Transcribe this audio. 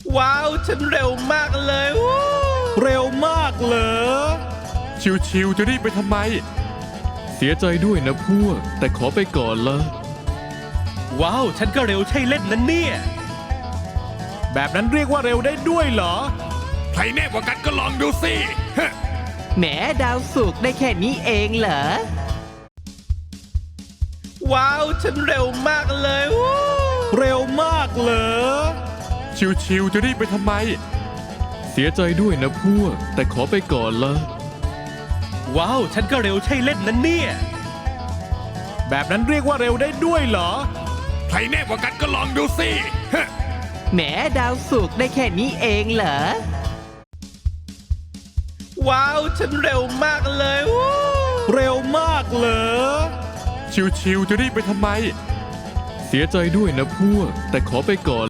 ว้าวฉันเร็วมากเลยเร็วมากเหรอชิวๆจะรีบไปทำไมเสียใจด้วยนะพวกแต่ขอไปก่อนละว้าวฉันก็เร็วใช่เล่นนะเนี่ยแบบนั้นเรียกว่าเร็วได้ด้วยเหรอใครแน่กว่ากันก็ลองดูสิแหมดาวสุกร์ได้แค่นี้เองเหรอว้าวฉันเร็วมากเลยเร็วมากเหรอชิวๆจะรีบไปทำไมเสียใจด้วยนะพวกแต่ขอไปก่อนละว้าวฉันก็เร็วใช่เล่นนะเนี่ยแบบนั้นเรียกว่าเร็วได้ด้วยเหรอใครแน่กว่ากันก็ลองดูสิแหมดาวสุกร์ได้แค่นี้เองเหรอว้าวฉันเร็วมากเลยเร็วมากเหรอชิวๆจะรีบไปทำไมเสียใจด้วยนะพวกแต่ขอไปก่อน